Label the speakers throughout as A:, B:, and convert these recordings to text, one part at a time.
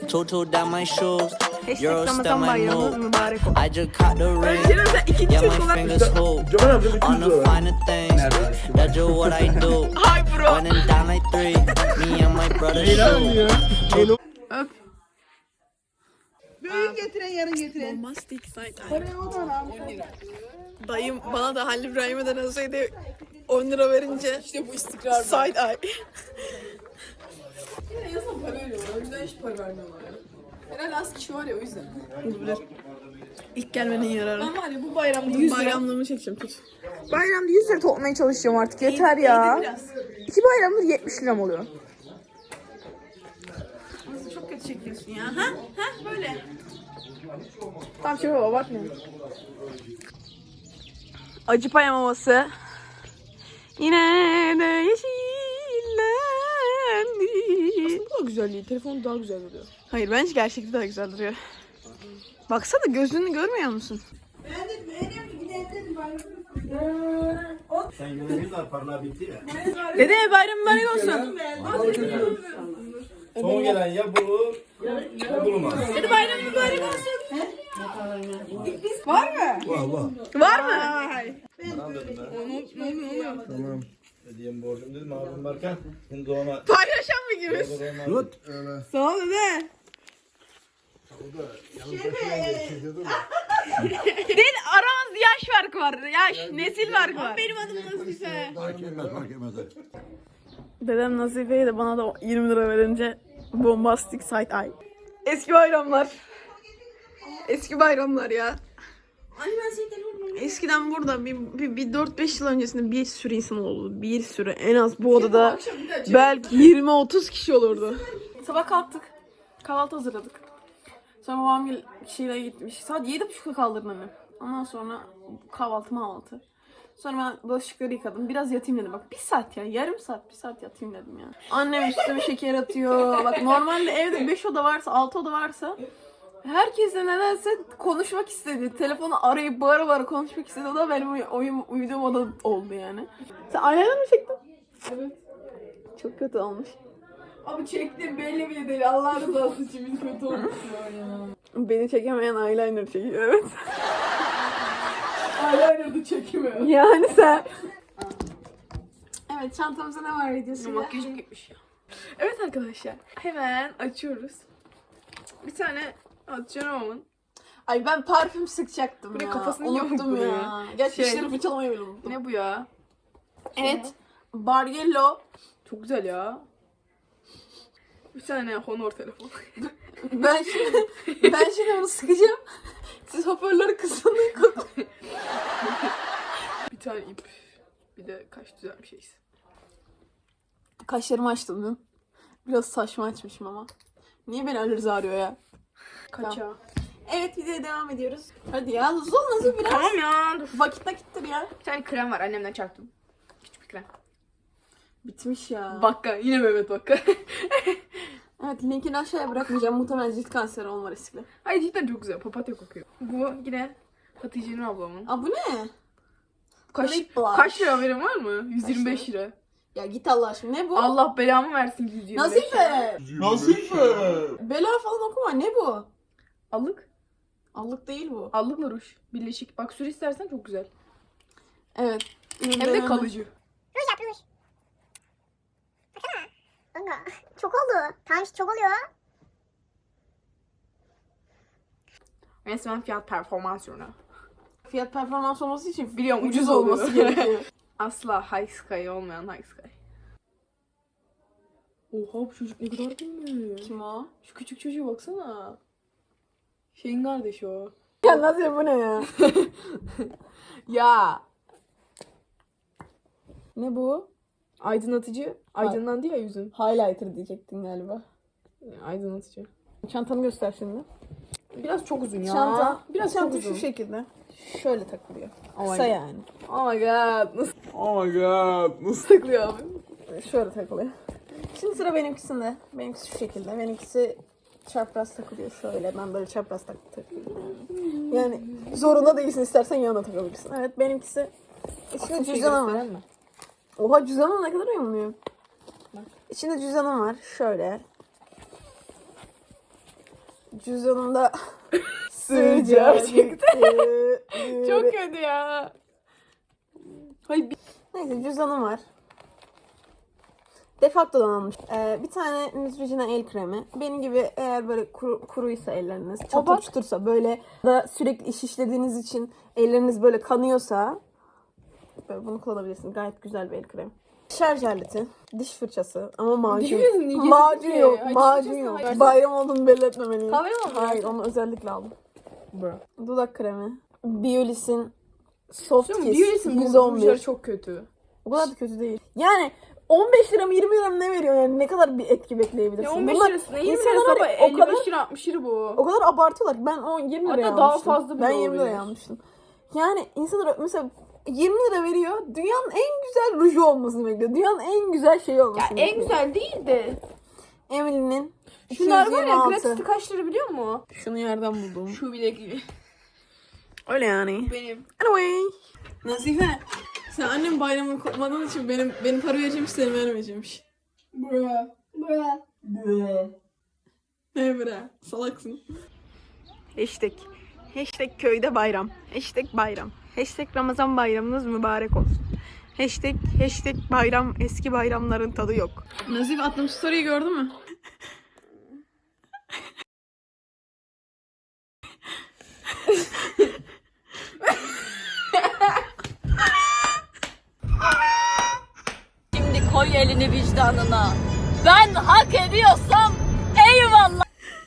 A: Tutu down my shoes. Euro
B: Ramazan
A: still my
B: bayramınız
A: move.
B: mübarek olsun.
A: I just caught the ring. Yeah, my fingers hold on the finer things. That's just what I do.
B: Hi bro.
A: Running down like three. Me and my brother shoot.
B: Öp.
C: Büyük getiren yarın getiren.
B: Bombastic side.
C: Parayı o da lan.
B: Dayım bana da Halil İbrahim'den olsaydı 10 lira verince işte bu istikrar side eye.
D: Yine yazın para veriyorlar. O yüzden hiç para vermiyorlar ya. Herhalde az kişi var ya o yüzden.
B: Olabilir. İlk gelmenin yararı.
D: Ben var ya bu bayramda 100 lira.
B: Bayramlığımı çekeceğim tut.
C: Bayramda 100 lira toplamaya çalışacağım artık. Yeter ya. İki bayramdır 70 liram oluyor.
B: Nasıl çok kötü çekiyorsun ya. Ha? Ha böyle.
C: Tamam şey baba bakma.
B: Acı pay maması. Yine de yeşillendi.
D: Bu da güzel değil. Telefon daha güzel duruyor.
B: Hayır bence gerçekte daha güzel duruyor. Baksana gözünü görmüyor musun?
E: Sen yürüyünler parla bitti ya.
B: Dede bayram mübarek olsun.
E: Son gelen ya bu ya bulunmaz.
B: Dede bayram mübarek olsun.
E: Var var.
B: Var mı?
E: Tamam dedim ben. Tamam. Hediyem borcum dedim abim varken. Şimdi ona
B: Paylaşan mı gibi? Sağ ol dede. Değil aramızda yaş farkı var. Yaş, nesil farkı var. Benim adım Nazife.
E: fark etmez.
B: Dedem Nazife'ye de bana da 20 lira verince bombastic side eye. Eski bayramlar. Eski bayramlar ya. Eskiden burada bir 4-5 yıl öncesinde bir sürü insan oldu. Bir sürü. En az bu odada belki 20-30 kişi olurdu. Sabah kalktık. Kahvaltı hazırladık. Sonra babam kişiyle gitmiş. Saat 7.30'da kaldırdım annem. Ondan sonra kahvaltı. Sonra ben bulaşıkları yıkadım. Biraz yatayım dedim. Bak 1 saat ya. Yarım saat, 1 saat yatayım dedim ya. Annem üstüme şeker atıyor. Bak normalde evde 5 oda varsa, 6 oda varsa herkesle nedense konuşmak istedi. Telefonu arayıp bağıra konuşmak istedi. O da benim uyuduğum oda oldu yani. Sen eyeliner mi çektin?
D: Evet.
B: Çok kötü olmuş.
D: Abi çektim belli bile değil. Allah rızası için bir kötü olmuş ya.
B: Beni çekemeyen eyeliner çekiyor. Evet.
D: Eyeliner'da çekemiyor.
B: Yani sen. Evet çantamızda ne var videosu?
D: Makyajım gitmiş ya.
B: Evet arkadaşlar. Hemen açıyoruz. Bir tane atıyorum ama. Ay ben parfüm sıkacaktım
D: Buraya
B: ya.
D: kafasını yiyor
B: unuttum
D: buraya.
B: ya. Gerçi
D: Şey.
B: dişleri fırçalamayı bile unuttum.
D: Ne bu ya?
B: Evet. Bargello.
D: Çok güzel ya. Bir tane Honor telefon.
B: Ben şimdi onu sıkacağım. Siz hoparlörü kısın.
D: Bir tane ip. Bir de kaş düzen bir şeyiz.
B: Kaşlarımı açtım dün. Biraz saçma açmışım ama. Niye beni Ali Rıza arıyor ya?
D: Kaça?
B: Evet videoya devam ediyoruz. Hadi ya hızlı ol nasıl biraz.
D: Tamam ya. Dur.
B: Vakit nakittir ya.
D: Bir tane krem var annemden çarptım. Küçük bir krem.
B: Bitmiş ya.
D: Bakka. Yine Mehmet Bakka.
B: Evet linkini aşağıya bırakmayacağım. Muhtemelen cilt kanseri olma riskli.
D: Ay cidden çok güzel. Papatya kokuyor. Bu yine Hatice'nin ablamın.
B: Aa bu ne?
D: Kaç,
B: Lip blush.
D: kaç lira haberin var mı? 125 lira.
B: Ya git Allah aşkına. Ne bu?
D: Allah belamı versin 125 lira.
B: Nazife. Bela falan okuma. Ne bu?
D: Allık.
B: Allık değil bu.
D: Allıkla ruj. Birleşik. Bak sür istersen çok güzel.
B: Evet.
D: Hem de kalıcı.
F: Ruj yap ruj. Baksana. Kanka çok oldu. Tamam işte çok oluyor.
D: Resmen fiyat performans ürünü.
B: Fiyat performans olması için
D: Biliyorum
B: ucuz olması gerekiyor.
D: Asla High Sky olmayan High Sky. Oha bu çocuk ne kadar büyük.
B: Kim o?
D: Şu küçük çocuğa baksana. Şeyin kardeşi o.
B: Ya Nazife bu ne ya?
D: Ya.
B: Ne bu?
D: Aydınlatıcı. Aydınlandı ya yüzün.
B: Highlighter diyecektin galiba.
D: Aydınlatıcı.
B: Çantanı göster şimdi.
D: Biraz çok uzun ya.
B: Çanta.
D: Biraz
B: Çanta
D: çok uzun.
B: şu şekilde. Şöyle takılıyor.
D: Oh my
B: Kısa
D: God.
B: yani.
D: Oh my god. Nasıl
E: Oh my god. Nasıl?
D: takılıyor abi?
B: Şöyle takılıyor. Şimdi sıra benimkisinde. Benimkisi şu şekilde. Benimkisi çapraz takılıyor şöyle. Ben böyle çapraz takıyorum. Yani zorunda değilsin. İstersen yanına takabilirsin. Evet benimkisi. İçinde cüzdanım var. Oha cüzdanım ne kadar uyumluyum. İçinde cüzdanım var. Şöyle. Cüzdanımda sığacak çıktı.
D: Çok kötü ya. Hayır
B: Neyse cüzdanım var. Defacto'dan almış. Bir tane Neutrogena el kremi. Benim gibi eğer böyle kuruysa elleriniz, çatır çutursa böyle da sürekli iş işlediğiniz için elleriniz böyle kanıyorsa böyle bunu kullanabilirsiniz. Gayet güzel bir el kremi. Şarj aleti, diş fırçası ama macun. Macun yok, macun yok. Bayram olduğunu belli etmemeliyim.
D: Kahve mi aldın?
B: Hayır, onu özellikle aldım. Dudak kremi. Biolis'in Soft Kiss
D: Biolis'in
B: 111.
D: çok kötü.
B: O kadar da kötü değil. Yani 15 lira mı 20 lira mı ne veriyor yani ne kadar bir etki bekleyebilirsin?
D: Ya 15
B: Bunlar
D: lirası ne 20
B: insanlar
D: lirası ama
B: var ya, o kadar
D: 55 lira 60 lira bu.
B: o kadar abartıyorlar. Ben o 20 liraya
D: Hatta
B: almıştım.
D: daha fazla bile
B: Ben 20 liraya
D: olabilir.
B: almıştım. Yani insanlar mesela 20 lira veriyor. Dünyanın en güzel ruju olmasını bekliyor. Dünyanın en güzel şeyi
D: Ya
B: olmasını
D: en
B: bekliyor.
D: güzel değil de.
B: Emily'nin
D: Şunlar var ya
B: 226.
D: gratis'te kaç lira biliyor musun?
B: Şunu yerden buldum.
D: Şu bilekliği.
B: Öyle yani.
D: Benim.
B: Anyway. Nazife. Sen annem bayramını kutmadığın için benim para vereceğim seni vermeyeceğimmiş.
D: Bura.
B: Ne bre? Salaksın. Hashtag köyde bayram. Hashtag bayram. Hashtag Ramazan bayramınız mübarek olsun. Hashtag bayram, eski bayramların tadı yok. Nazif attığım story'yi gördün mü?
G: Şimdi koy elini vicdanına. Ben hak ediyorsam eyvallah.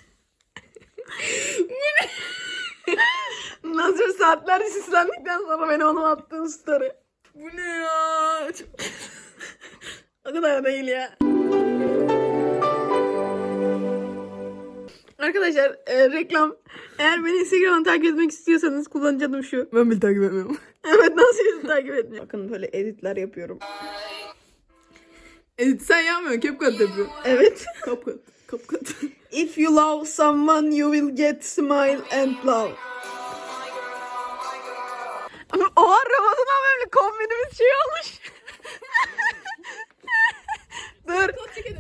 B: Nazif saatlerce sislendikten sonra beni ona attığın story. Bu ne ya? O kadar değil ya. Arkadaşlar reklam. Eğer beni Instagram'dan takip etmek istiyorsanız kullanıcı adım şu. Ben bile takip etmiyorum. Evet nasıl takip etmiyorum. Bakın böyle editler yapıyorum. Edit sen yapmıyorsun. CapCut yapıyor. Evet. CapCut. If you love someone you will get smile and love. Oha Ramazan abimle kombinimiz şey olmuş. Dur.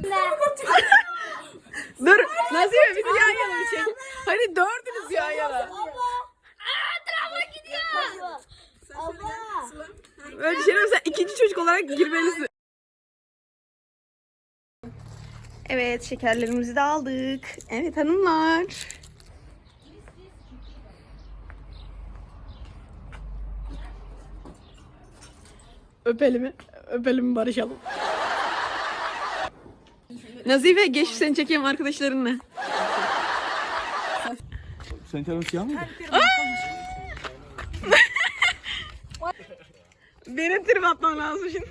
B: Dur. Nazife bizi yan yana bir çek. Hadi dördünüz yan yana. Böyle bir şey mesela ikinci çocuk olarak girmelisin. Evet şekerlerimizi de aldık. Evet hanımlar. Öpelim barışalım. Nazife geç seni çekeyim arkadaşlarınla.
E: Senin canın siyah mıydı?
B: Benim trip atmam lazım şimdi.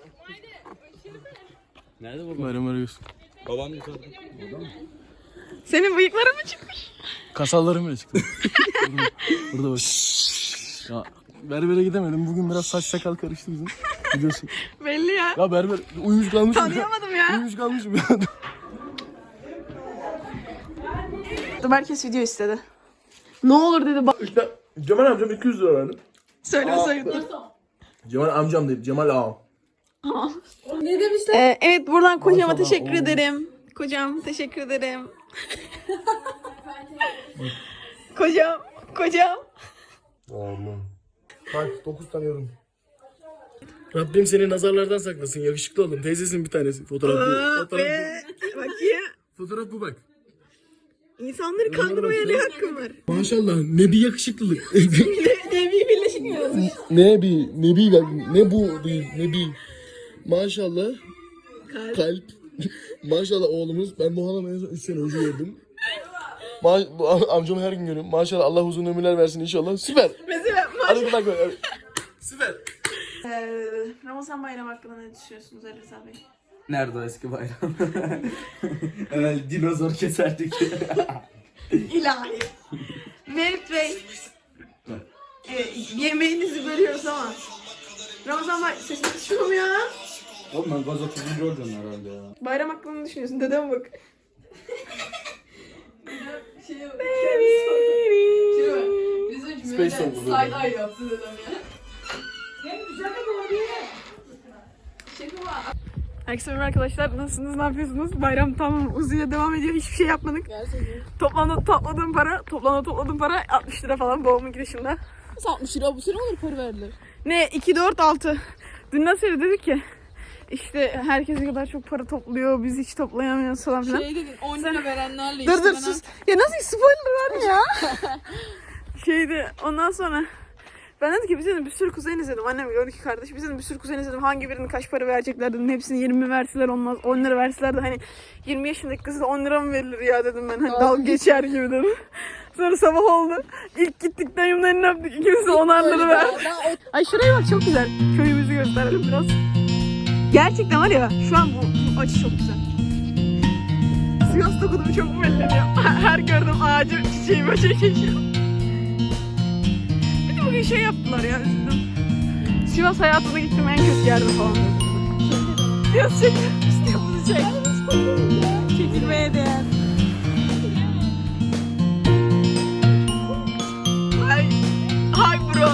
E: Nerede bu? Bayram arıyorsun. Baban yukarıda. Burada mı?
B: Senin bıyıkların mı çıkmış?
E: Kasallarım bile çıktı. Burada bak. Ya berbere gidemedim. Bugün biraz saç sakal karıştı bizim. Biliyorsun.
B: Belli ya.
E: Ya berber uyumuş kalmışım.
B: Tanıyamadım ya.
E: Uyumuş kalmışım ya.
B: Herkes video istedi. Ne olur dedi bak.
H: İşte Cemal amcam 200 lira verdi.
B: Söyle.
H: Cemal amcam değil, Cemal ağam.
D: Ne demişler?
B: Evet buradan kocama
H: Maşallah,
B: teşekkür
H: oğlum.
B: ederim. Kocam teşekkür ederim. Kocam.
H: Aman. Kaç? 9 tanıyorum.
E: Rabbim seni nazarlardan saklasın. Yakışıklı oğlum. Teyzesin bir tanesi. Fotoğraf bu.
B: Bakayım.
E: Fotoğraf bu bak.
B: İnsanları kandırmaya ne hakkım var?
E: Maşallah ne bir yakışıklılık.
B: Nebi Birleşik mi yazmış?
E: ne bu değil ne bir. Maşallah. Kalp. Maşallah oğlumuz. Ben bu hanımı en son 3 sene önce gördüm. Bu amcamı her gün görüyorum. Maşallah Allah uzun ömürler versin inşallah. Süper.
B: Mesela
E: Hadi bak. Süper.
B: Ramazan bayramı hakkında ne düşünüyorsunuz Ali Rıza Bey?
I: Nerede o eski bayram? Hemen dinozor keserdik.
B: İlahi. Mevlüt Bey. Yemeğinizi bölüyoruz ama. Ramazan bayramı sesim çıkıyor mu ya?
I: Oğlum ben gaz 30. olacağım herhalde ya.
B: Bayram hakkında ne düşünüyorsun? Dedem bak.
I: Space oldu böyle.
D: Side eye yaptı dedem ya.
B: Herkese merhaba arkadaşlar. Nasılsınız? Ne yapıyorsunuz? Bayram tamam uzuyor devam ediyor. Hiçbir şey yapmadık. Topladığım para 60 lira falan babamın dışında.
C: Nasıl 60 lira bu sene olur para verdiler.
B: Ne? 2, 4, 6. Dün nasıl dedi ki? İşte herkes ne kadar çok para topluyor. Biz hiç toplayamıyoruz falan filan.
C: Şey dedin 10 lira verenlerle
B: Dur
C: işte
B: dur
C: bana-
B: sus. Ya nasıl spoiler var ya? Ondan sonra ben dedim ki biz dedim bir sürü kuzen izledim. Annem 12 kardeş. Biz dedim bir sürü kuzen izledim. Hangi birinin kaç para verecekler dedim. Hepsini 20 verseler olmaz. 10 lira verseler de hani 20 yaşındaki kızı da 10 lira mı verilir ya dedim ben. Hani dalga geçer gibi dedim. Sonra sabah oldu. İlk gittik dayımın eline öptük. İkimiz de 10'ar lira verdik. Ay şuraya bak çok güzel. Köyümüzü gösterelim biraz. Gerçekten var ya şu an bu açı çok güzel. Sivas dokunumu çok belli ediyor. Her gördüğüm ağacı, çiçeği, böceği çekiyor. Bir de bugün şey yaptılar ya, üzüldüm. Sivas hayatına gittim en kötü yerde falan dediler. Biraz çek, istiyormuzu çek. Çekilmeye değer. Hi bro.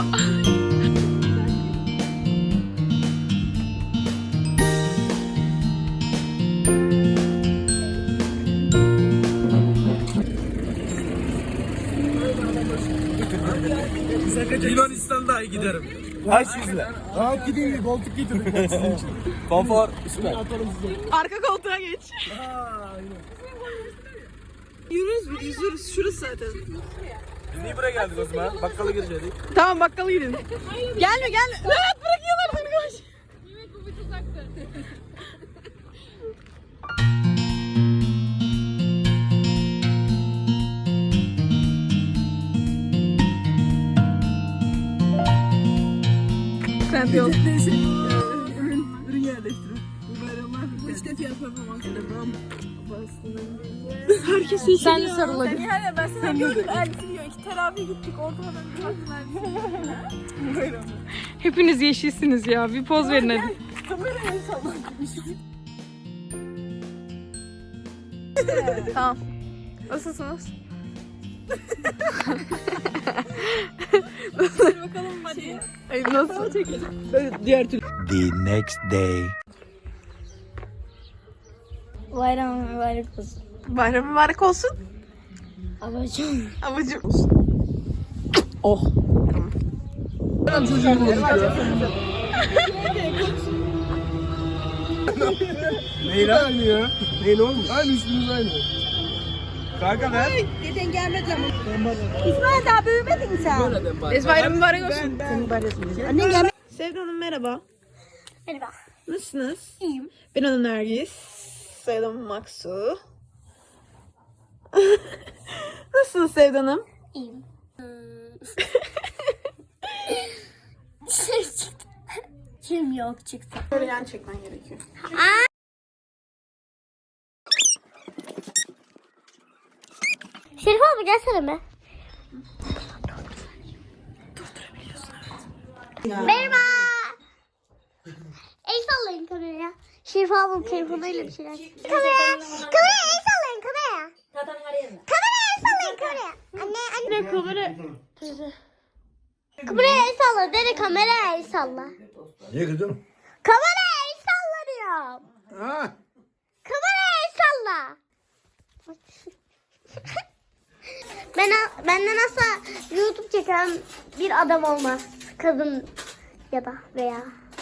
I: Yunanistan'da giderim. Kaç yüzle?
H: Rahat gidin koltuk getirdik ben sizin için.
I: Konfor süper.
B: Arka koltuğa geç. Yürüyoruz. Şurası zaten.
I: Biz niye buraya geldik o zaman? Bakkala gireceğiz.
B: Tamam bakkala gidelim. Gelme. Rahat bırakıyorlar seni koş. Trend yol.
C: Ürün yerleştirin. Bu bayramlar bu işte fiyat performansı devam.
B: Herkes iyi.
C: Sen de sarılabilir.
D: Ben sana gördüm elbise diyor. 2 teravih gittik. Ortadan bir baktım elbise.
B: Hepiniz yeşilsiniz ya. Bir poz verin hadi.
D: Kameraya sallan.
B: Tamam. Nasılsınız?
D: Bakalım hadi.
B: Ay nasıl? Böyle diğer türlü.
A: The next day.
F: Bayram mübarek olsun.
B: Bayram mübarek olsun.
F: Abacım.
B: Abacım.
H: Neyin aynı ya? Neyin olmuş? Aynı üstümüz aynı.
I: Kanka ben.
F: İsmail daha büyümedin mi sen?
B: Bayram mübarek olsun.
F: Annen gelmedi.
B: Sevda Hanım merhaba.
F: Merhaba.
B: Nasılsınız?
F: İyiyim.
B: Ben Ana Nergis. Soyadım Maksu. Nasılsınız Sevda Hanım?
F: İyiyim. Dışarı çıktım. Kim yok çıktı.
B: Böyle yan çekmen gerekiyor.
F: Şerif abi gelsene be. Merhaba. El sallayın kameraya. Şerif abim telefonuyla bir şeyler. Kameraya el sallayın kameraya. Kameraya el sallayın kameraya. Anne. Kameraya el salla. Dede kameraya el salla.
H: Niye kızım?
F: Kameraya el salla diyorum. Kameraya el salla. Benden asla YouTube çeken bir adam olmaz. Kadın ya da veya.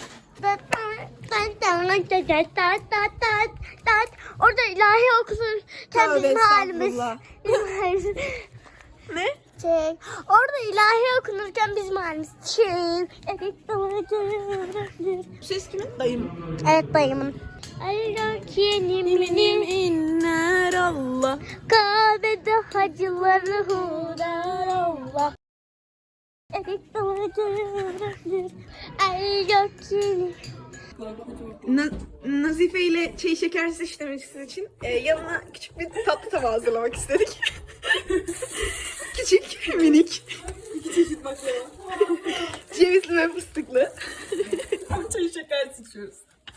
F: Orada ilahi okurken bizim halimiz.
B: Ne?
F: Orada ilahi okunurken bizim halimiz.
B: Bu ses kimin? Dayım.
F: Evet dayımın. Yenim
B: inler Allah.
F: Kabe'de hacıları hudar Allah. Ay gökyüzü.
B: Nazife ile çay şekersiz işlemesi için yanına küçük bir tatlı tabağı hazırlamak istedik. Küçük, minik.
D: 2 çeşit baklava.
B: Cevizli ve fıstıklı.
D: Çayı şeker sıçıyoruz.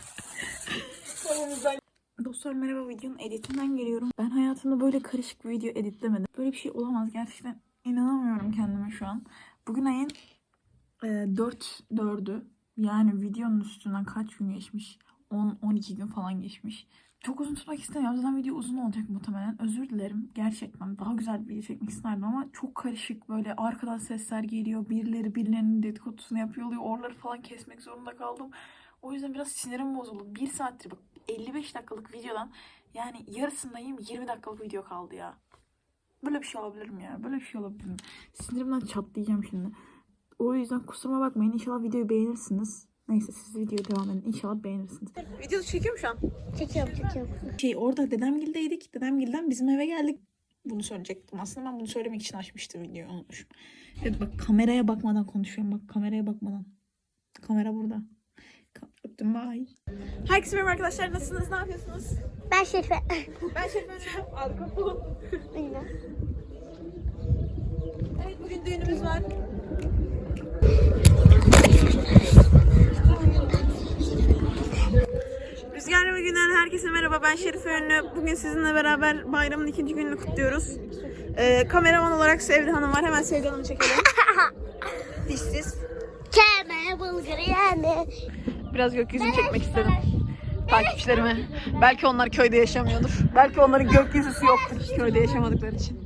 B: Dostlar merhaba, videonun editinden geliyorum. Ben hayatımda böyle karışık bir video editlemedim. Böyle bir şey olamaz gerçekten. İnanamıyorum kendime şu an. Bugün ayın 4'ü. Yani videonun üstünden kaç gün geçmiş? 10-12 gün falan geçmiş. Çok uzun tutmak istemiyorum. Zaten video uzun olacak muhtemelen. Özür dilerim. Gerçekten daha güzel bir video çekmek isterdim ama çok karışık, böyle arkadan sesler geliyor. Birileri birilerinin dedikodusunu yapıyor oluyor. Oraları falan kesmek zorunda kaldım. O yüzden biraz sinirim bozuldu. 1 saattir bak 55 dakikalık videodan yani yarısındayım, 20 dakikalık video kaldı ya. Böyle bir şey olabilir mi ya? Böyle bir şey olabilir mi? Sinirimden çatlayacağım şimdi. O yüzden kusuruma bakmayın. İnşallah videoyu beğenirsiniz. Neyse siz videoya devam edin. İnşallah beğenirsiniz. Video çekiyor mu şu an?
F: Çekiyorum.
B: Orada dedemgildeydik. Dedemgilden bizim eve geldik. Bunu söyleyecektim. Aslında ben bunu söylemek için açmıştım videoyu. Unutmuşum. Evet bak kameraya bakmadan konuşuyorum. Bak kameraya bakmadan. Kamera burada. Öptüm bye. Herkese merhaba arkadaşlar. Nasılsınız? Ne yapıyorsunuz?
F: Ben Şerife.
B: Ben Şerife. Arka fon. Evet bugün düğünümüz var. Rüzgarlı günler herkese merhaba, ben Şerife Ünlü. Bugün sizinle beraber bayramın 2. gününü kutluyoruz. Kameraman olarak Sevda Hanım var, hemen Sevda Hanım'ı çekelim. Dişsiz.
F: Keme bulgur yeme.
B: Biraz gökyüzünü çekmek istedim takipçilerime. Belki onlar köyde yaşamıyordur. Belki onların gökyüzüsü yoktur hiç köyde yaşamadıkları için.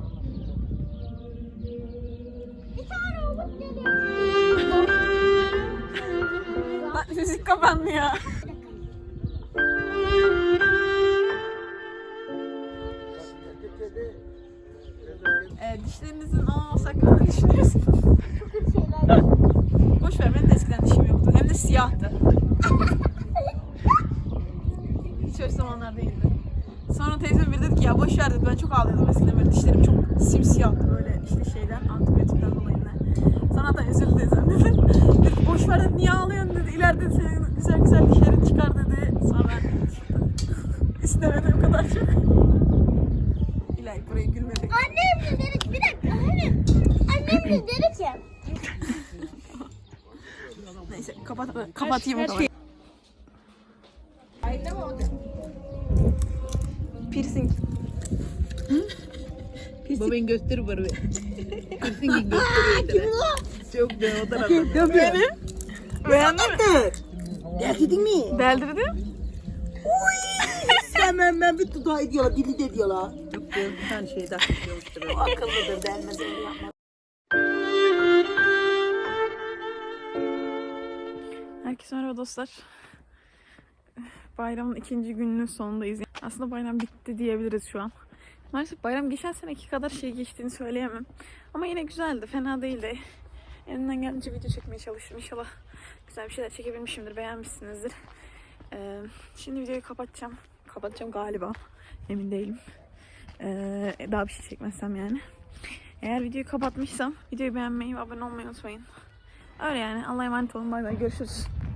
B: Müzik kapandı ya. Dişlerinizin olmaması hakkında ne düşünüyorsunuz? Boş ver, benim de eskiden dişim yoktu. Hem de siyahtı. Hiç öyle zamanlar değildi. Sonra teyzem bir dedi ki ya boş ver dedi, ben çok ağlıyordum eskiden, böyle dişlerim çok simsiyahtı böyle işte şeyden, antibiyotikten dolayı. Sonra da üzüldü teyzem dedi. Dedi ki boş ver dedi, niye ağlıyorsun dedi. İleride senin güzel güzel dişlerin çıkar dedi. Sonra istemedim kadar çok. İlahi buraya gülmedik.
F: Annem de dedi ki bir dakika annem. Annem de dedi ki.
B: Neyse kapatayım o zaman. Piercing.
C: Babayın gösteri var.
F: Kim o?
C: Çok be o tarafta.
B: Benim. Beğendin mi?
C: Deldirdin mi?
B: Deldirdim.
C: Ben bir tutağı diyorlar, dili de diyorlar. Yok bir tane şey daha diyormuştur. O akıllıdır, delmez öyle yapmaz.
B: Herkese merhaba dostlar. Bayramın 2. gününün sonundayız. Aslında bayram bitti diyebiliriz şu an. Maalesef bayram geçen seneki kadar şey geçtiğini söyleyemem. Ama yine güzeldi, fena değildi. Elimden geldiğince video çekmeye çalıştım. İnşallah güzel bir şeyler çekebilmişimdir, beğenmişsinizdir. Şimdi videoyu kapatacağım. Kapatacağım galiba. Emin değilim. Daha bir şey çekmezsem yani. Eğer videoyu kapatmışsam videoyu beğenmeyi ve abone olmayı unutmayın. Öyle yani. Allah'a emanet olun. Bay bay. Görüşürüz.